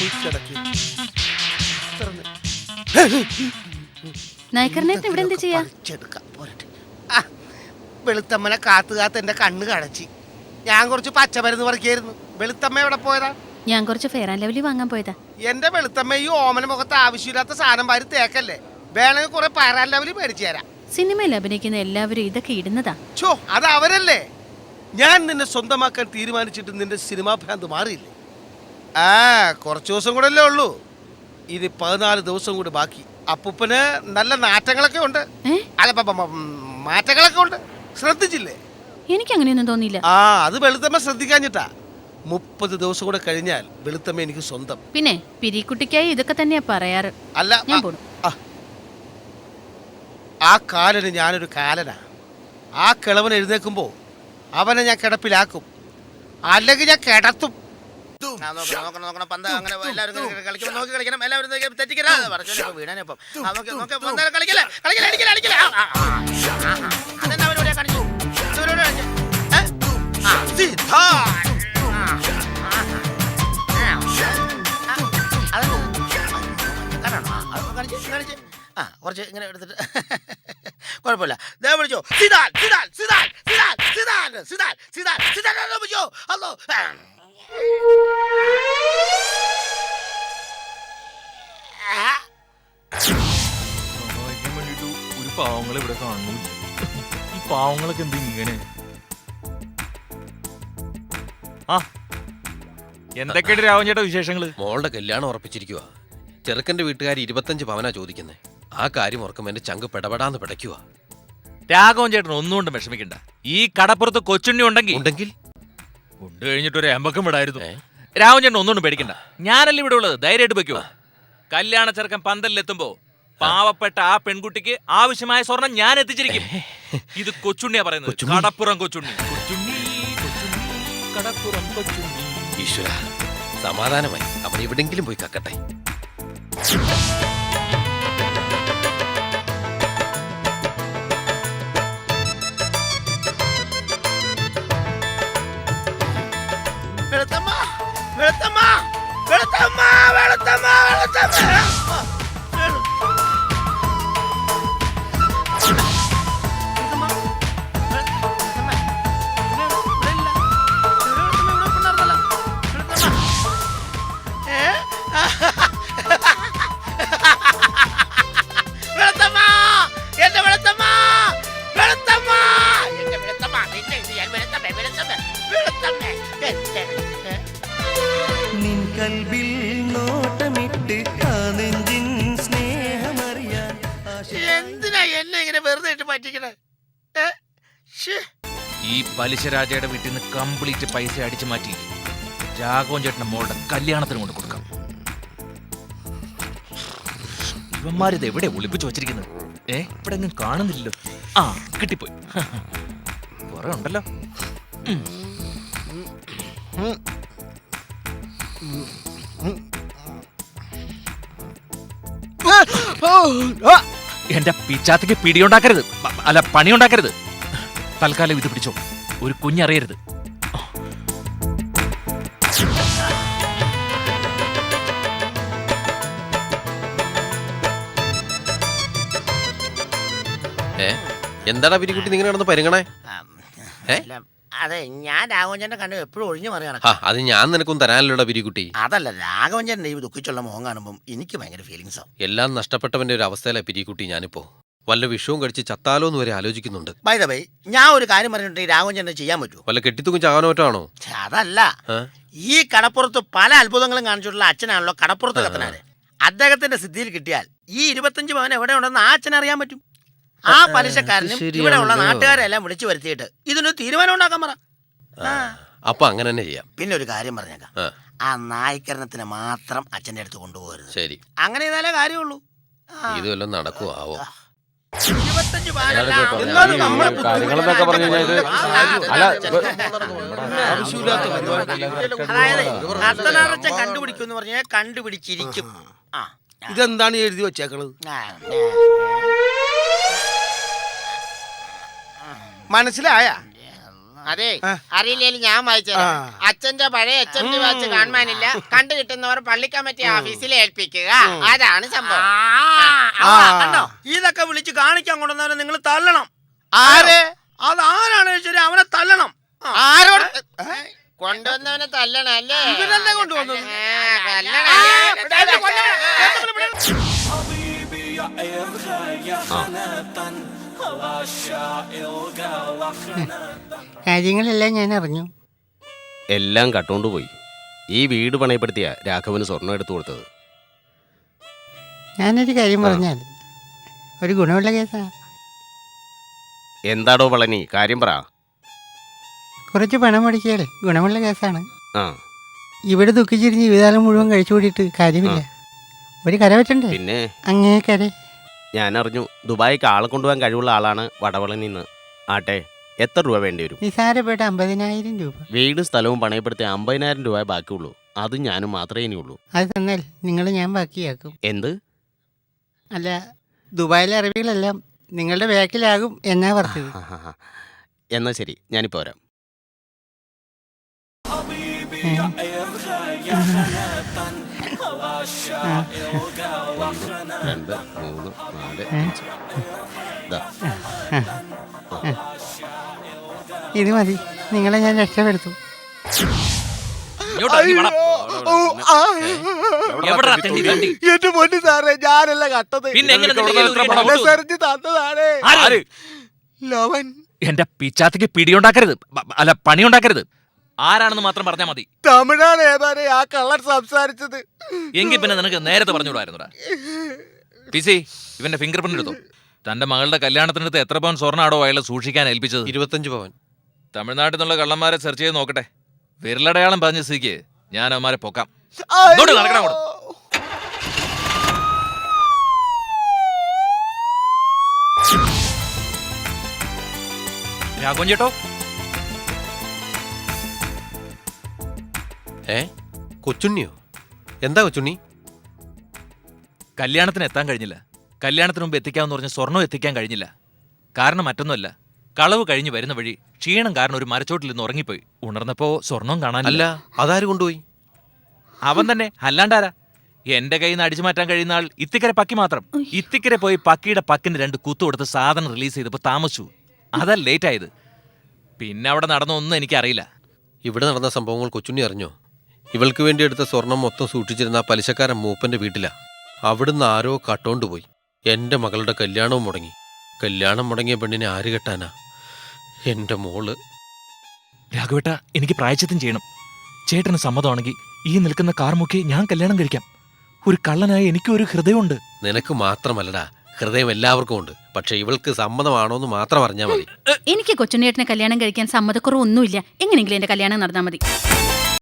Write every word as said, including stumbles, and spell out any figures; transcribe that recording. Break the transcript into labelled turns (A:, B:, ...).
A: നായക്കറിനേട്ടൻ ഇവിടെ എന്താ ചെയ്യാ?
B: വെളുത്തമ്മനെ കാത്തു കാത്ത് എന്റെ കണ്ണ് കടച്ചി. ഞാൻ കുറച്ച് പച്ചമരുന്ന് പറിക്കായിരുന്നു. വെളുത്തമ്മ എവിടെ പോയതാ?
A: ഞാൻ കുറച്ച് ഫെയർ ആൻഡ് ലവ്ലി വാങ്ങാൻ പോയതാ.
B: എന്റെ വെളുത്തമ്മ ഈ ഓമന മുഖത്ത് ആവശ്യമില്ലാത്ത സാധനം വാരി തേക്കല്ലേ. വേണമെങ്കിൽ കുറെ ഫെയർ ആൻഡ് ലവ്ലി മേടിച്ചു തരാം.
A: സിനിമയിൽ അഭിനയിക്കുന്ന എല്ലാവരും ഇതൊക്കെ ഇടുന്നതാ.
B: ചോ, അത് അവരല്ലേ. ഞാൻ നിന്നെ സ്വന്തമാക്കാൻ തീരുമാനിച്ചിട്ട് നിന്റെ സിനിമാ ഭ്രാന്ത് മാറിയില്ലേ? ആ കുറച്ച് ദിവസം കൂടെ അല്ലേ ഉള്ളൂ. ഇത് പതിനാല് ദിവസം കൂടി ബാക്കി. അപ്പൂപ്പന് നല്ല നാറ്റങ്ങളൊക്കെ ഉണ്ട്. അല്ല മാറ്റങ്ങളൊക്കെ ഉണ്ട്. ശ്രദ്ധിച്ചില്ലേ?
A: എനിക്ക് അങ്ങനെയൊന്നും തോന്നിയില്ല.
B: ആ അത് വെളുത്തമ്മ ശ്രദ്ധിക്കാഞ്ഞിട്ടാ. മുപ്പത് ദിവസം കൂടെ കഴിഞ്ഞാൽ വെളുത്തമ്മ എനിക്ക് സ്വന്തം.
A: പിന്നെ പിരിക്കുട്ടിക്കായി ഇതൊക്കെ തന്നെയാ പറയാറ്.
B: അല്ല ഞാൻ പോണു. ആ കാലന് ഞാനൊരു കാലനാ. ആ കിളവൻ എഴുന്നേക്കുമ്പോ അവനെ ഞാൻ കിടപ്പിലാക്കും, അല്ലെങ്കിൽ ഞാൻ കിടത്തും.
C: ആ കുറച്ച് ഇങ്ങനെ എടുത്തിട്ട് കുഴപ്പമില്ല. ദേ വിളിച്ചോ Zidane Zidane Zidane Zidane Zidane Zidane Zidane Zidane വിളിച്ചോ. ഹലോ
D: വേണ്ടിട്ട് ഒരു പാവങ്ങളെ ഇവിടെ കാണുന്നു. ഈ പാവങ്ങളൊക്കെ എന്ത് ഇങ്ങനെ? ആ എന്തൊക്കെയാണ് രാവൻ ചേട്ടാ വിശേഷങ്ങള്?
E: മോളുടെ കല്യാണം ഉറപ്പിച്ചിരിക്കുക. ചെറുക്കന്റെ വീട്ടുകാർ ഇരുപത്തഞ്ച് പവനാ ചോദിക്കുന്നത്. ആ കാര്യം ഓർക്കുമ്പോ എന്റെ ചങ്ക് പെടപെടാന്ന് പിടയ്ക്കുക.
D: രാഘവൻ ചേട്ടൻ ഒന്നുകൊണ്ടും വിഷമിക്കണ്ട. ഈ കടപ്പുറത്ത് കൊച്ചുണ്ണി ഉണ്ടെങ്കിൽ
E: ഉണ്ടെങ്കിൽ
D: ഉണ്ട് കഴിഞ്ഞിട്ട് ഒരു എമ്പക്കം വിടായിരുന്നു. രാഘവൻ ചേട്ടൻ ഒന്നുകൊണ്ടും പേടിക്കണ്ട. ഞാനല്ല ഇവിടെ ഉള്ളത്. ധൈര്യമായിട്ട് വെക്കുവോ. കല്യാണ ചെറുക്കൻ പന്തലിലെത്തുമ്പോ പാവപ്പെട്ട ആ പെൺകുട്ടിക്ക് ആവശ്യമായ സ്വർണം ഞാൻ എത്തിച്ചിരിക്കും. ഇത് കൊച്ചുണ്ണിയാ പറയുന്നത്. കടപ്പുറം കൊച്ചുണ്ണി. കൊച്ചുണ്ണി കൊച്ചുണ്ണി കടപ്പുറം കൊച്ചുണ്ണി.
E: ഈശ്വര സമാധാനമായി. അവൻ എവിടെങ്കിലും പോയി കക്കട്ടെ.
C: വെളുത്തമ്മ വെളുത്തമ്മ വെളുത്തമ്മ വെളുത്തമ്മ വെളുത്തമ്മ എന്തിനാ എന്നെ ഇങ്ങനെ വെറുതെ ഇട്ട് പറ്റിക്കണേ?
D: ഈ പലിശരാജയുടെ വീട്ടിൽ നിന്ന് കംപ്ലീറ്റ് പൈസ അടിച്ചു മാറ്റി രാഘവൻ ചേട്ടന്റെ മോളുടെ കല്യാണത്തിന് കൊണ്ട് കൊടുക്കാം. ഇവന്മാരിത് എവിടെ ഒളിപ്പിച്ചു വച്ചിരിക്കുന്നത്? ഏ ഇവിടെ ഒന്നും കാണുന്നില്ലല്ലോ. ആ കിട്ടിപ്പോയി. കുറെ ഉണ്ടല്ലോ. എന്റെ പിച്ചാത്തിക്ക് പിടിയുണ്ടാക്കരുത്. അല്ല പണിയുണ്ടാക്കരുത്. തൽക്കാലം ഇത് പിടിച്ചോ. ഒരു കുഞ്ഞറിയരുത്.
E: ഏ എന്താടാ പിരിക്കുട്ടി നിങ്ങൾ നടന്ന് പരിങ്ങണേ?
C: അതെ ഞാൻ രാഘവഞ്ചന്റെ കണ്ടു എപ്പോഴും ഒഴിഞ്ഞു മറിയാണ്.
E: അത് ഞാൻ നിനക്കും തരാനല്ലോടാ പിരിക്കുട്ടി.
C: അതല്ല രാഘവഞ്ചന്റെ ഈ ദുഃഖിച്ചുള്ള മുഖം കാണുമ്പോൾ എനിക്ക് ഭയങ്കര ഫീലിങ്സ് ആവും.
E: എല്ലാം നഷ്ടപ്പെട്ടവന്റെ ഒരു അവസ്ഥയിലാണ് പിരിക്കുട്ടി ഞാനിപ്പോ. വല്ല വിഷവും കഴിച്ച് ചത്താലോ എന്ന് വരെ ആലോചിക്കുന്നുണ്ട്.
C: ബൈ ദ ബൈ ഞാൻ ഒരു കാര്യം പറഞ്ഞിട്ട് രാഘവഞ്ചന്റെ ചെയ്യാൻ പറ്റുമോ?
E: വല്ല കെട്ടിത്തൂക്കും ചാകാനോ പറ്റാണോ?
C: അതല്ല, ഈ കടപ്പുറത്ത് പല അത്ഭുതങ്ങളും കാണിച്ചിട്ടുള്ള അച്ഛനാണല്ലോ കടപ്പുറത്ത് കത്തനാര്. അദ്ദേഹത്തിന്റെ സിദ്ധിയിൽ കിട്ടിയാൽ ഈ ഇരുപത്തഞ്ച് പവൻ എവിടെ ഉണ്ടെന്ന് ആ അച്ഛൻ അറിയാൻ പറ്റും. ആ പലിശക്കാരനും ഇവിടെ ഉള്ള നാട്ടുകാരെല്ലാം വിളിച്ചു വരുത്തിയിട്ട് ഇതിനൊരു തീരുമാനം ഉണ്ടാക്കാൻ പറ.
E: അപ്പൊ അങ്ങനെ തന്നെ ചെയ്യാം.
C: പിന്നെ ഒരു കാര്യം പറഞ്ഞേക്കാം, ആ നായ്ക്കരണത്തിന് മാത്രം അച്ഛന്റെ അടുത്ത് കൊണ്ടുപോകരുത്.
E: ശരി,
C: അങ്ങനെ ചെയ്താലേ കാര്യമുള്ളൂ.
E: ഇത് വല്ലതും നടക്കുവോ ആവോ?
C: അതായത് കണ്ടുപിടിക്കും പറഞ്ഞാൽ കണ്ടുപിടിച്ചിരിക്കും.
B: ഇതെന്താണ് എഴുതി വെച്ചേക്കണത്? മനസ്സിലായ?
C: അതെ
B: ആ.
C: അറിയില്ലേലും ഞാൻ വായിച്ചത്
B: ആ.
C: അച്ഛന്റെ പഴയ എച്ച് എം ഡി വാച്ച് കാണാനില്ല കണ്ടു കിട്ടുന്നവർ പള്ളി കമ്മിറ്റി ഓഫീസിൽ ഏൽപ്പിക്കുക അതാണ് സംഭവം.
B: ആ.
C: കണ്ടോ ഇതൊക്കെ വിളിച്ച് കാണിക്കാൻ കൊണ്ടുവന്നവരെ നിങ്ങൾ തള്ളണം.
B: ആരെ
C: അത് ആരാണ് ശരി അവനെ തള്ളണം.
B: ആരോട്
C: കൊണ്ടുവന്നവനെ തല്ലണം അല്ലേ?
B: ഇവനല്ലേ കൊണ്ടുവന്നത്?
C: ആ, തല്ലണം.
F: കാര്യങ്ങളെല്ലാം ഞാൻ അറിഞ്ഞു.
G: എല്ലാം കട്ടുകൊണ്ട് പോയി. ഈ വീട് പണയപ്പെടുത്തിയ രാഘവന് സ്വർണം എടുത്തു കൊടുത്തത്.
F: ഞാനൊരു കാര്യം പറഞ്ഞാൽ ഒരു ഗുണമുള്ള കേസാ.
G: എന്താടോ പളനി, കാര്യം പറ.
F: കുറച്ച് പണം മുടക്കിയാൽ ഗുണമുള്ള കേസാണ്.
G: ആ
F: ഇവിടെ ദുഃഖിച്ചിരിഞ്ഞ് ജീവിതകാലം മുഴുവൻ കഴിച്ചു കൂടിയിട്ട് കാര്യമില്ല. ഒരു കര വെച്ചണ്ടേ?
G: പിന്നെ
F: അങ്ങേ കര.
G: ഞാൻ അറിഞ്ഞു ദുബായിക്ക് ആളെ കൊണ്ടുപോകാൻ കഴിവുള്ള ആളാണ് വടവളനിന്ന്. ആട്ടെ, എത്ര രൂപ വേണ്ടി വരും?
F: നിസാരപ്പെട്ട അമ്പതിനായിരം രൂപ.
G: വീടും സ്ഥലവും പണയപ്പെടുത്തി അമ്പതിനായിരം രൂപ ബാക്കിയുള്ളൂ. അതും ഞാനും മാത്രമേ ഇനിയുള്ളൂ.
F: അത് തന്നാൽ നിങ്ങൾ ഞാൻ ബാക്കിയാക്കും.
G: എന്ത്?
F: അല്ല, ദുബായിലെ അറിവികളെല്ലാം നിങ്ങളുടെ ബാക്കിലാകും എന്നാ പറഞ്ഞത്.
G: ആ, ആ, ആ. എന്നാ ശരി, ഞാനിപ്പോ വരാം. രണ്ട് മൂന്ന് നാല് അഞ്ച്. ദാ.
F: ഇത് മതി, നിങ്ങളെ ഞാൻ രക്ഷപ്പെടുത്തും.
D: ഇങ്ങോട്ട് ഇറങ്ങി വാടാ. എവിടെടാ തെണ്ടി തെണ്ടി?
B: എന്റെ പൊന്നു സാറേ, ഞാനല്ല കട്ടത്.
D: പിന്നെ എങ്ങനെ നിന്റെ കയ്യിൽ ഒരു പണം കൊടുത്തു?
B: സെറിഞ്ഞ് തന്നതാണ്
D: ആര്?
B: ലവൻ.
D: എന്റെ പിച്ചാത്തിക്ക് പിടിയുണ്ടാക്കരുത്, ബ- അല്ല പണിയുണ്ടാക്കരുത്. ആരാണെന്ന് മാത്രം പറഞ്ഞാൽ മതി.
B: തമിഴാണ് ഏതാനേ ആ കള്ളൻ സംസാരിച്ചത്.
D: എങ്കിൽ പിന്നെ നിനക്ക് നേരത്തെ പറഞ്ഞുകൂടായിരുന്നുടാ. പിസി, ഇവന്റെ ഫിംഗർ പ്രിന്റ് എടുത്തോ. തന്റെ മകളുടെ കല്യാണത്തിനടുത്ത് എത്ര പവൻ സ്വർണ്ണാടോ അയാൾ സൂക്ഷിക്കാൻ ഏൽപ്പിച്ചത്?
E: ഇരുപത്തഞ്ച് പവൻ.
D: തമിഴ്നാട്ടിൽ നിന്നുള്ള കള്ളന്മാരെ സെർച്ച് ചെയ്ത് നോക്കട്ടെ. വിരലടയാളം പറഞ്ഞ സ്ഥിതിക്ക് ഞാൻ അവന്മാരെ പൊക്കാം. ഇങ്ങോട്ട് നടക്കണം അങ്ങോട്ട്. രാഘവൻ ചേട്ടോ,
E: ഏ കൊച്ചുണ്ണിയോ? എന്താ കൊച്ചുണ്ണി?
D: കല്യാണത്തിന് എത്താൻ കഴിഞ്ഞില്ല. കല്യാണത്തിന് മുമ്പ് എത്തിക്കാമെന്ന് പറഞ്ഞ സ്വർണ്ണം എത്തിക്കാൻ കഴിഞ്ഞില്ല. കാരണം മറ്റൊന്നുമല്ല, കളവ് കഴിഞ്ഞ് വരുന്ന വഴി ക്ഷീണം കാരണം ഒരു മരച്ചോട്ടിൽ നിന്ന് ഉറങ്ങിപ്പോയി. ഉണർന്നപ്പോ സ്വർണം കാണാനില്ല.
E: അല്ല, അതാര് കൊണ്ടുപോയി?
D: അവൻ തന്നെ, അല്ലാണ്ടാരാ? എന്റെ കയ്യിൽ നിന്ന് അടിച്ചു മാറ്റാൻ കഴിയുന്ന ആൾ ഇത്തിക്കര പക്കി മാത്രം. ഇത്തിക്കര പോയി പക്കിയുടെ പക്കിന് രണ്ട് കുത്തു കൊടുത്ത് സാധനം റിലീസ് ചെയ്തപ്പോ താമസിച്ചു. അതാ ലേറ്റ് ആയത്. പിന്നെ അവിടെ നടന്നൊന്നും എനിക്കറിയില്ല.
E: ഇവിടെ നടന്ന സംഭവങ്ങൾ കൊച്ചുണ്ണി അറിഞ്ഞോ? ഇവൾക്ക് വേണ്ടി എടുത്ത സ്വർണം മൊത്തം സൂക്ഷിച്ചിരുന്ന ആ പലിശക്കാരൻ മൂപ്പന്റെ വീട്ടിലാ. അവിടുന്ന് ആരോ കട്ടോണ്ട് പോയി. എന്റെ മകളുടെ കല്യാണവും മുടങ്ങി. കല്യാണം മുടങ്ങിയ പെണ്ണിനെ ആര് കെട്ടാനാ? എന്റെ മോള്.
D: രാഘവേട്ട, എനിക്ക് പ്രായച്ചിത്തം ചെയ്യണം. ചേട്ടന് സമ്മതമാണെങ്കിൽ ഈ നിൽക്കുന്ന കാർ മുക്കി ഞാൻ കല്യാണം കഴിക്കാം. ഒരു കള്ളനായി എനിക്കും ഒരു ഹൃദയമുണ്ട്.
E: നിനക്ക് മാത്രമല്ലടാ, ഹൃദയം എല്ലാവർക്കും ഉണ്ട്. പക്ഷെ ഇവൾക്ക് സമ്മതമാണോന്ന് മാത്രം അറിഞ്ഞാൽ മതി.
A: എനിക്ക് കൊച്ചുണ്ണിയേട്ടനെ കല്യാണം കഴിക്കാൻ സമ്മതക്കുറവൊന്നുമില്ല. എങ്ങനെയെങ്കിലും എന്റെ കല്യാണം നടന്നാൽ മതി.